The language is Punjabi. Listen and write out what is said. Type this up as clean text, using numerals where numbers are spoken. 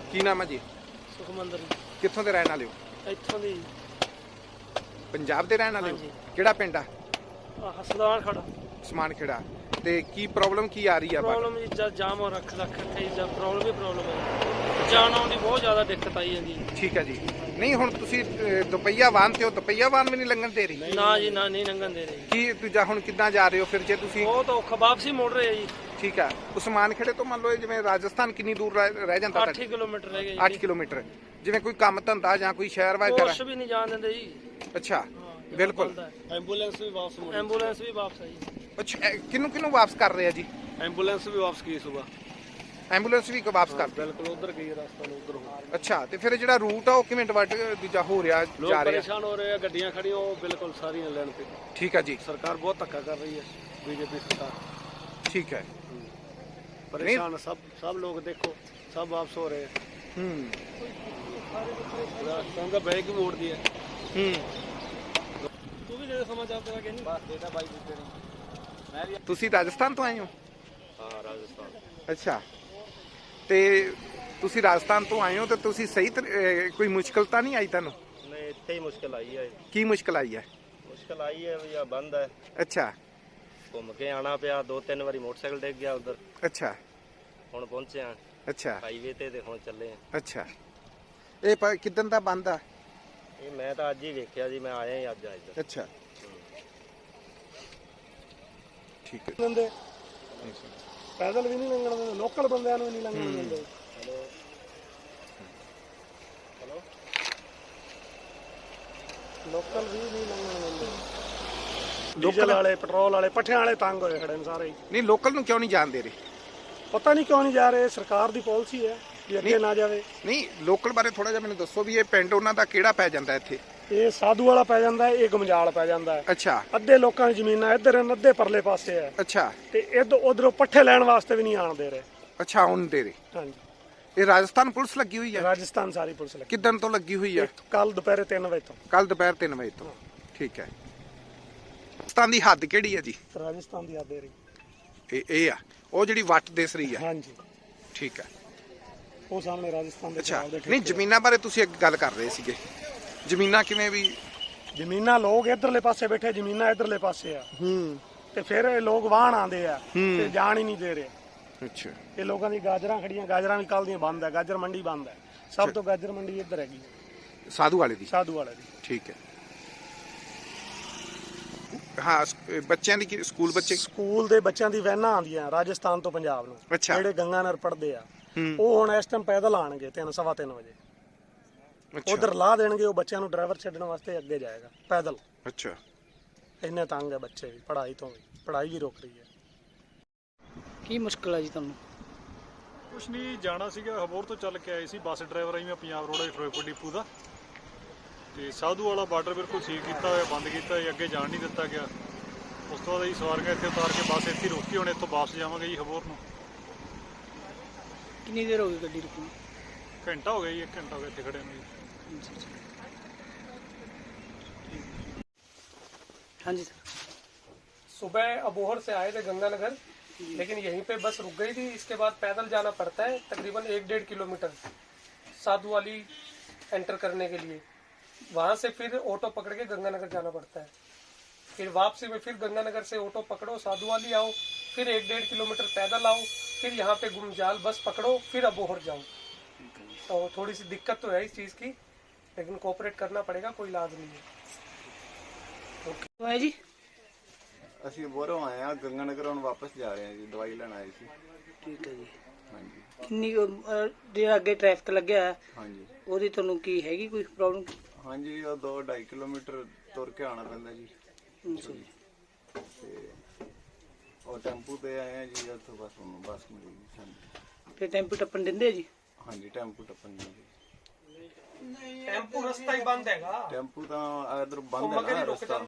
ਕੀ ਨਾਮ ਹੈ ਜੀ? ਸੁਖਮੰਦਰ ਕਿੱਥੋਂ ਦੇ ਰਹਿਣ ਵਾਲੇ ਹੋ? ਇੱਥੋਂ ਦੀ ਪੰਜਾਬ ਦੇ ਰਹਿਣ ਵਾਲੇ ਹੋ? ਹਾਂਜੀ। ਕਿਹੜਾ ਪਿੰਡ ਆ? ਹਸਦਾਨ ਖੜਾ ਸਮਾਨ ਖੇੜਾ। ਤੇ ਕੀ ਪ੍ਰੋਬਲਮ ਕੀ ਆ ਰਹੀ ਆ? ਪ੍ਰੋਬਲਮ ਜੀ ਜਾਮ ਹੋ ਰੱਖ ਇੱਥੇ ਜਾਂ ਪ੍ਰੋਬਲਮ ਹੀ ਪ੍ਰੋਬਲਮ ਹੈ। ਜਾਣ ਆਉਣ ਦੀ ਬਹੁਤ ਜ਼ਿਆਦਾ ਦਿੱਕਤ ਆਈ ਜਾਂਦੀ ਹੈ। ਠੀਕ ਹੈ ਜੀ। ਨਹੀਂ ਹੁਣ ਤੁਸੀਂ ਦੁਪਹੀਆ ਵਾਹਨ ਤੇ ਹੋ, ਦੁਪਹੀਆ ਵਾਹਨ ਵੀ ਨਹੀਂ ਲੰਘਣ ਦੇ ਰਹੀ? ਨਾ ਜੀ ਨਾ, ਨਹੀਂ ਲੰਘਣ ਦੇ ਰਹੇ। ਕੀ ਦੂਜਾ ਹੁਣ ਕਿੱਦਾਂ ਜਾ ਰਹੇ ਹੋ ਫਿਰ ਜੇ ਤੁਸੀਂ? ਬਹੁਤ ਔਖਾ, ਵਾਪਸੀ ਮੁੜ ਰਹੇ ਆ ਜੀ। ਠੀਕ ਹੈ। ਉਸਮਾਨ ਖੇੜੇ ਤੋਂ ਮੰਨ ਲਓ ਜਿਵੇਂ ਰਾਜਸਥਾਨ ਕਿੰਨੀ ਦੂਰ ਰਹਿ ਜਾਂਦਾ? 8 ਕਿਲੋਮੀਟਰ ਰਹਿ ਗਏ ਜੀ। 8 ਕਿਲੋਮੀਟਰ। ਜਿਵੇਂ ਕੋਈ ਕੰਮ ਧੰਦਾ ਜਾਂ ਕੋਈ ਸ਼ਹਿਰ ਵਗੈਰਾ? ਕੁਛ ਵੀ ਨਹੀਂ ਜਾਣ ਦਿੰਦੇ ਜੀ। ਅੱਛਾ, ਬਿਲਕੁਲ। ਐਂਬੂਲੈਂਸ ਵੀ ਵਾਪਸ ਆਈ। ਅੱਛਾ, ਕਿਹਨੂੰ ਵਾਪਸ ਕਰ ਰਹੇ ਆ ਜੀ? ਐਂਬੂਲੈਂਸ ਵੀ ਵਾਪਸ ਗਈ ਸੁਬਾ। ਐਂਬੂਲੈਂਸ ਵੀ ਵਾਪਸ ਕਰ? ਬਿਲਕੁਲ ਉਧਰ ਗਈ, ਰਸਤਾ ਨੂੰ ਉਧਰ ਹੋ। ਅੱਛਾ, ਤੇ ਫਿਰ ਜਿਹੜਾ ਰੂਟ ਆ ਉਹ ਕਿਵੇਂ ਡਿਵਾਈਡ ਦੂਜਾ ਹੋ ਰਿਹਾ ਜਾ ਰਿਹਾ? ਪਰੇਸ਼ਾਨ ਹੋ ਰਹੇ ਆ, ਗੱਡੀਆਂ ਖੜੀਆਂ ਉਹ ਬਿਲਕੁਲ ਸਾਰੀਆਂ ਲੈਣ ਤੇ। ਠੀਕ ਹੈ ਜੀ। ਸਰਕਾਰ ਬਹੁਤ ਧੱਕਾ ਕਰ ਰਹੀ ਹੈ, ਬੀਜੇਪੀ ਸਰਕਾਰ। ਠੀਕ ਹੈ। परेशान सब लोग देखो, सब वापस हो रहे हैं। राजस्थान का बैग भी मोड़ दिया। तू भी दे समाचार तेरा क्या नहीं? बस देता भाई देते नहीं। मैं भी। ਤੁਸੀਂ ਰਾਜਸਥਾਨ ਤੋਂ ਆਏ ਹੋ? हाँ राजस्थान। ਅੱਛਾ, ਤੇ ਤੁਸੀਂ ਰਾਜਸਥਾਨ ਤੋਂ ਆਏ ਹੋ ਤੇ ਤੁਸੀਂ ਸਹੀ ਕੋਈ ਮੁਸ਼ਕਲ ਤਾਂ ਨਹੀਂ ਆਈ ਤੁਹਾਨੂੰ? नहीं इतने ही मुश्किल आई है। ਕੀ ਮੁਸ਼ਕਲ ਆਈ ਹੈ? मुश्किल आई है भैया, बंद है। ਅੱਛਾ घूम के आना पिया, 2-3 बारी मोटरसाइकिल डिग गया उधर। ਅੱਛਾ ਹੁਣ ਪਹੁੰਚੇ ਆ ਅੱਛਾ ਹਾਈਵੇ ਤੇ ਹੁਣ ਚੱਲੇ ਆ। ਅੱਛਾ, ਇਹ ਕਿਦਨ ਦਾ ਬੰਦ ਆ? ਇਹ ਮੈਂ ਤਾਂ ਅੱਜ ਹੀ ਵੇਖਿਆ ਜੀ, ਮੈਂ ਆਇਆ ਹੀ ਅੱਜ ਇੱਧਰ। ਅੱਛਾ, ਠੀਕ ਹੈ। ਬੰਦੇ ਪੈਦਲ ਵੀ ਨਹੀਂ ਲੰਘਣ ਦਿੰਦੇ, ਲੋਕਲ ਬੰਦਿਆਂ ਨੂੰ ਨਹੀਂ ਲੰਘਣ ਦਿੰਦੇ। ਹੈਲੋ ਲੋਕਲ ਵੀ ਨਹੀਂ ਲੰਘਣ ਦਿੰਦੇ। ਡੀਜ਼ਲ ਵਾਲੇ, ਪੈਟਰੋਲ ਵਾਲੇ, ਪੱਠਿਆਂ ਵਾਲੇ ਤੰਗ ਹੋਏ ਖੜੇ ਨੇ ਸਾਰੇ। ਨਹੀਂ, ਲੋਕਲ ਨੂੰ ਕਿਉਂ ਨਹੀਂ ਜਾਣ ਦੇ ਰਹੇ? ਪਤਾ ਨਹੀਂ ਕਿਉਂ ਨਹੀਂ ਜਾ ਰਹੇ, ਸਰਕਾਰ ਦੀ ਪਾਲਿਸੀ ਹੈ ਕਿ ਅੱਗੇ ਨਾ ਜਾਵੇ। ਨਹੀਂ, ਲੋਕਲ ਬਾਰੇ ਥੋੜਾ ਜਿਹਾ ਮੈਨੂੰ ਦੱਸੋ ਵੀ ਇਹ ਪਿੰਡ ਉਹਨਾਂ ਦਾ ਕਿਹੜਾ ਪੈ ਜਾਂਦਾ ਇੱਥੇ? ਇਹ ਸਾਧੂ ਵਾਲਾ ਪੈ ਜਾਂਦਾ ਹੈ, ਇਹ ਗਮਜਾਲ ਪੈ ਜਾਂਦਾ ਹੈ। ਅੱਛਾ ਅੱਧੇ ਲੋਕਾਂ ਦੀ ਜ਼ਮੀਨਾਂ ਇੱਧਰ ਹਨ, ਅੱਧੇ ਪਰਲੇ ਪਾਸੇ ਹੈ। ਅੱਛਾ, ਤੇ ਉਧਰੋਂ ਪੱਠੇ ਲੈਣ ਵਾਸਤੇ ਵੀ ਨਹੀਂ ਆਣ ਦੇ ਰਹੇ। ਅੱਛਾ, ਹੁਣ ਦੇ ਰਹੇ। ਹਾਂਜੀ, ਇਹ ਰਾਜਸਥਾਨ ਪੁਲਿਸ ਲੱਗੀ ਹੋਈ ਹੈ? ਰਾਜਸਥਾਨ ਸਾਰੀ ਪੁਲਿਸ ਲੱਗੀ। ਕਿਦਨ ਤੋਂ ਲੱਗੀ ਹੋਈ ਹੈ? ਕੱਲ ਦੁਪਹਿਰੇ 3 ਵਜੇ ਤੋਂ। ਕੱਲ ਦੁਪਹਿਰ 3 ਵਜੇ ਤੋਂ। ਠੀਕ ਹੈ। ਰਾਜਸਥਾਨ ਦੀ ਹੱਦ ਕਿਹੜੀ ਹੈ ਜੀ? ਰਾਜਸਥਾਨ ਦੀ ਹੱਦ ਰਹੀ ਇਹ ਆ ਉਹ ਜਿਹੜੀ ਵੱਟ ਦਿਸ ਰਹੀ ਹੈ? ਹਾਂਜੀ, ਠੀਕ ਹੈ। ਉਹ ਸਾਹਮਣੇ ਰਾਜਸਥਾਨ ਦੇ। ਅੱਛਾ, ਨਹੀਂ ਜ਼ਮੀਨਾਂ ਬਾਰੇ ਤੁਸੀਂ ਇੱਕ ਗੱਲ ਕਰ ਰਹੇ ਸੀਗੇ, ਜ਼ਮੀਨਾਂ ਕਿਵੇਂ ਵੀ? ਜ਼ਮੀਨਾਂ ਲੋਕ ਇਧਰਲੇ ਪਾਸੇ ਬੈਠੇ, ਜ਼ਮੀਨਾਂ ਇਧਰਲੇ ਪਾਸੇ ਆ। ਤੇ ਫਿਰ ਇਹ ਲੋਕ ਵਾਹਣ ਆਉਂਦੇ ਆ ਤੇ ਜਾਣ ਹੀ ਨਹੀਂ ਦੇ ਰਹੇ। ਅੱਛਾ, ਇਹ ਲੋਕਾਂ ਦੀ ਗਾਜਰਾਂ ਖੜੀਆਂ, ਗਾਜਰਾਂ ਵੀ ਕੱਲ ਦੀਆਂ ਬੰਦ ਹੈ, ਗਾਜਰ ਮੰਡੀ ਬੰਦ ਹੈ। ਸਭ ਤੋਂ ਗਾਜਰ ਮੰਡੀ ਇੱਧਰ ਹੈਗੀ, ਸਾਧੂ ਵਾਲੇ ਦੀ? ਸਾਧੂ ਵਾਲੇ ਦੀ। ਠੀਕ ਹੈ। ਹਾਂ, ਬੱਚਿਆਂ ਦੀ ਸਕੂਲ ਸਕੂਲ ਦੇ ਬੱਚਿਆਂ ਦੀ ਵੈਨਾਂ ਆਉਂਦੀਆਂ ਰਾਜਸਥਾਨ ਤੋਂ ਪੰਜਾਬ ਨੂੰ, ਜਿਹੜੇ ਗੰਗਾਨਗਰ ਪੜ੍ਹਦੇ ਆ। ਉਹ ਹੁਣ ਇਸ ਟਾਈਮ ਪੈਦਲ ਆਣਗੇ 3-3:15 ਵਜੇ। ਉਧਰ ਲਾ ਦੇਣਗੇ, ਉਹ ਬੱਚਿਆਂ ਨੂੰ ਡਰਾਈਵਰ ਛੱਡਣ ਵਾਸਤੇ ਅੱਗੇ ਜਾਏਗਾ ਪੈਦਲ। ਅੱਛਾ, ਇੰਨੇ ਤੰਗ ਹੈ ਬੱਚੇ ਵੀ, ਪੜ੍ਹਾਈ ਤੋਂ ਵੀ, ਪੜ੍ਹਾਈ ਵੀ ਰੁਕ ਰਹੀ ਹੈ। ਕੀ ਮੁਸ਼ਕਲ ਹੈ ਜੀ ਤੁਹਾਨੂੰ? ਕੁਛ ਨਹੀਂ, ਜਾਣਾ ਸੀਗਾ, ਹਬੋਰ ਤੋਂ ਚੱਲ ਕੇ ਆਏ ਸੀ, ਬੱਸ ਡਰਾਈਵਰ ਆਈ ਮੈਂ ਪੰਜਾਬ ਰੋਡ ਫਿਰੋਜ਼ਪੁਰ ਡਿਪੂ ਦਾ। ਤੇ ਸਾਧੂ ਵਾਲਾ ਬਾਰਡਰ ਬਿਲਕੁਲ ਸੀਲ ਕੀਤਾ ਹੋਇਆ, ਬੰਦ ਕੀਤਾ ਹੋਇਆ, ਅੱਗੇ ਜਾਣ ਨਹੀਂ ਦਿੱਤਾ ਗਿਆ। ਉਸ ਤੋਂ ਬਾਅਦ ਅਸੀਂ ਸਵਾਰੀਆਂ ਇੱਥੇ ਉਤਾਰ ਕੇ ਬੱਸ ਇੱਥੇ ਰੋਕੀ, ਹੁਣ ਇੱਥੋਂ ਵਾਪਸ ਜਾਵਾਂਗੇ ਜੀ ਹਬੋਰ ਨੂੰ। ਕਿੰਨੀ ਦੇਰ ਹੋ ਗਈ ਗੱਡੀ ਰੁਕੀ? ਘੰਟਾ ਹੋ ਗਿਆ ਜੀ, 1 ਘੰਟਾ ਹੋ ਗਿਆ ਇੱਥੇ ਖੜੇ ਨੂੰ ਜੀ। हाँ जी सर। सुबह अबोहर से आए थे गंगानगर, लेकिन यहीं पे बस रुक गई थी। इसके बाद पैदल जाना पड़ता है तकरीबन 1-1.5 किलोमीटर साधु वाली एंटर करने के लिए। वहाँ से फिर ऑटो पकड़ के गंगानगर जाना पड़ता है। फिर वापसी में फिर गंगानगर से ऑटो पकड़ो, साधु वाली आओ, फिर 1-1.5 किलोमीटर पैदल आओ, फिर यहाँ पे गुमजाल बस पकड़ो, फिर अबोहर जाओ। तो थोड़ी सी दिक्कत तो है इस चीज़ की, लेकिन कोऑपरेट करना पड़ेगा, कोई इलाज नहीं है। है जी, ਅਸੀਂ ਬੋਰੋਂ ਆਏ ਆ ਗੰਗਾਨਗਰ, ਹੁਣ ਵਾਪਸ ਜਾ ਰਹੇ ਆ ਜੀ, ਦਵਾਈ ਲੈਣ ਆਏ ਸੀ। ਠੀਕ ਹੈ ਜੀ। ਹਾਂਜੀ ਕਿੰਨੀ ਜਿਹੜਾ ਅੱਗੇ ਟ੍ਰੈਫਿਕ ਲੱਗਿਆ ਹੈ ਹਾਂਜੀ ਉਹਦੀ ਤੁਹਾਨੂੰ ਕੀ ਹੈਗੀ ਕੋਈ ਪ੍ਰੋਬਲਮ? ਹਾਂਜੀ, ਉਹ 2-2.5 ਕਿਲੋਮੀਟਰ ਤੁਰ ਕੇ ਆਉਣਾ ਪੈਂਦਾ ਜੀ। ਤੇ ਉਹ ਟੈਂਪੂ ਤੇ ਆਏ ਆ ਜੀ, ਉੱਥੋਂ ਬਸ ਹੁਣ ਬੱਸ ਮਿਲੀ ਜੀ ਸਾਨੂੰ। ਫਿਰ ਟੈਂਪੂ ਟੱਪਣ ਦਿੰਦੇ ਜੀ? ਹਾਂਜੀ, ਟੈਂਪੂ ਟੱਪਣ ਜੀ। ਟੈਂਪੂ ਰਸਤਾ ਹੀ ਬੰਦ ਹੈਗਾ, ਟੈਂਪੂ ਤਾਂ ਇਧਰ ਬੰਦ ਹੈ ਨਾ ਰਸਤਾ।